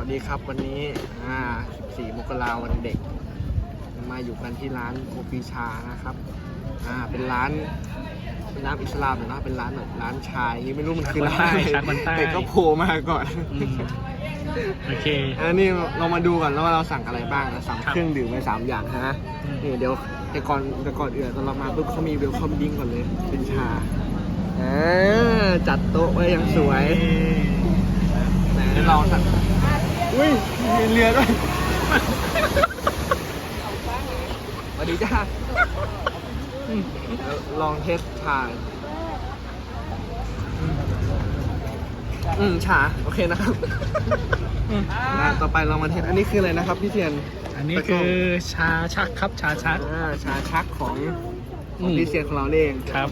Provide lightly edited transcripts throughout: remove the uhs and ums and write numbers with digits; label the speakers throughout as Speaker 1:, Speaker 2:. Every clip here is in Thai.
Speaker 1: วัสดีครับวันนี้14 มกราคมวันเด็กมาอยู่กันที่ร้านโคปีชานะครับเป็นร้านอิสลามนะเป็นร้านแบบร้านชายนี่ไม่รู้มันคือร้านอะไรแต่ก็โผล่มาก่อน
Speaker 2: โอเค
Speaker 1: อันนี้เรามาดูก่อนแล้วว่าเราสั่งอะไรบ้างนะสั่งเครื่องดื่มไป3 อย่างนะนี่เดี๋ยวแต่ก่อนอื่นตอนเรามาปุ๊บเขามีเวลคัมดิ้งก่อนเลยเป็นชาจัดโต๊ะไว้อย่างสวยไหนลองสั่งอุ้ยมีเรือด้วยสวัสดีจ้าลองเทสชาชาโอเคนะครับต่อไปเรามาเทสอันนี้คืออะไรนะครับพี่เทียน
Speaker 2: อันนี้คือชาชักครับชาชัก
Speaker 1: ชาชักของพี่เทียนของเราเอง
Speaker 2: ครับ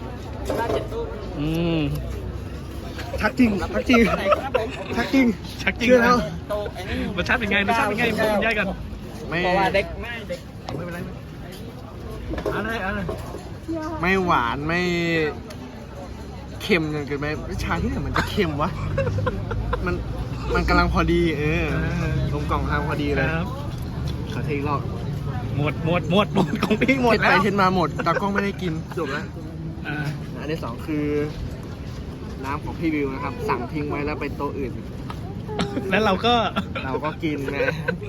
Speaker 1: ชักจริงชักจริงชักจริงเชื่อแล้ว
Speaker 2: รสชาติเป็นไงรสชาติเป็นไงพูดง่ายกัน
Speaker 1: ไม่
Speaker 2: เด็กไม่เป็นไรอะไร
Speaker 1: ไม่หวานไม่เค็มจนเกินไปชาที่ไหนมันจะเค็มวะมันกำลังพอดีกลมกล่อมทางพอดีเลยขอเทอีกรอบ
Speaker 2: หมดของพี่หมดแล้ว
Speaker 1: ไปเทมาหมดตากล้องไม่ได้กินจบแล้วอันที่2คือน้ำของพี่วิวนะครับสั่งทิ้งไว้แล้วไปโต๊ะอื่น
Speaker 2: แล้วเรา
Speaker 1: ก็กินนะ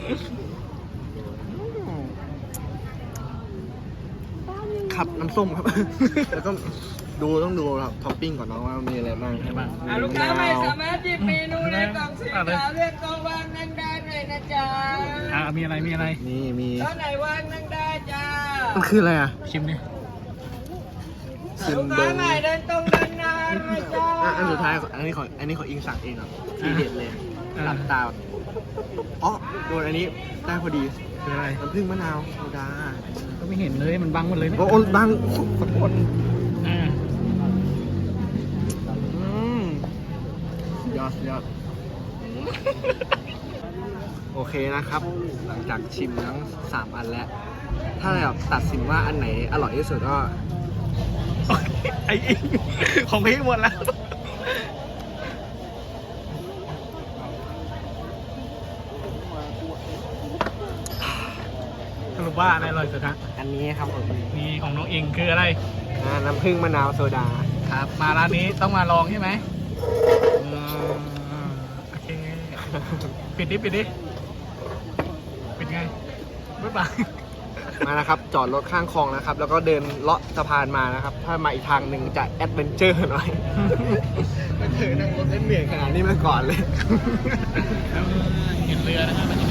Speaker 1: ขับน้ำส้มครับแล้วก็ต้องดูครับท็อปปิ้งก่อนนะว่ามีอะไรบ้าง
Speaker 3: ลูกค้าไม่สามารถหยิบเมนูในกล่องสีขาวเลือกกล่องวางนั่งได้เลยนะจ๊ะ
Speaker 2: มีอะไร
Speaker 1: นี่มี
Speaker 3: โต๊ะไหนวางนั่งได้จ้า
Speaker 1: มันคืออะไร
Speaker 2: ชิมดิ
Speaker 3: ลูกค้าใหม่เดินตรงเดินนานเลยจ้า
Speaker 1: อันสุดท้ายอันนี้ขออิงสั่งเองครับทีเด็ดเลยหลับตาโดนอันนี้ได้พอดี
Speaker 2: คืออะไร
Speaker 1: น้ำผึ้งมะนาวโซดา
Speaker 2: ก็ไม่เห็นเลยมันบังหมดเลย
Speaker 1: โอ้บังขอโทษยอดโอเคนะครับหลังจากชิมทั้ง3 อันแล้วถ้าแบบตัดสินว่าอันไหนอร่อยที่สุดก็
Speaker 2: ไอ้ของพี่หมดแล้วสรุปว่าอะไรอร่อยสุดฮะ
Speaker 1: อันนี้ครับผม
Speaker 2: นี่ของน้องอิงคืออะไร
Speaker 1: น้ำผึ้งมะนาวโซดา
Speaker 2: ครับมาร้านนี้ต้องมาลองใช่ไหมโอเคปิดไงบ๊ายบาย
Speaker 1: มานะครับจอดรถข้างคลองนะครับแล้วก็เดินเลาะสะพานมานะครับถ้ามาอีกทางหนึ่งจะแอดเวนเจอร์หน่อยไม่เคยนั่งรถเล่นเหนื่อยขนาดนี้มาก่อนเลย
Speaker 2: เห็นเรือนะครับ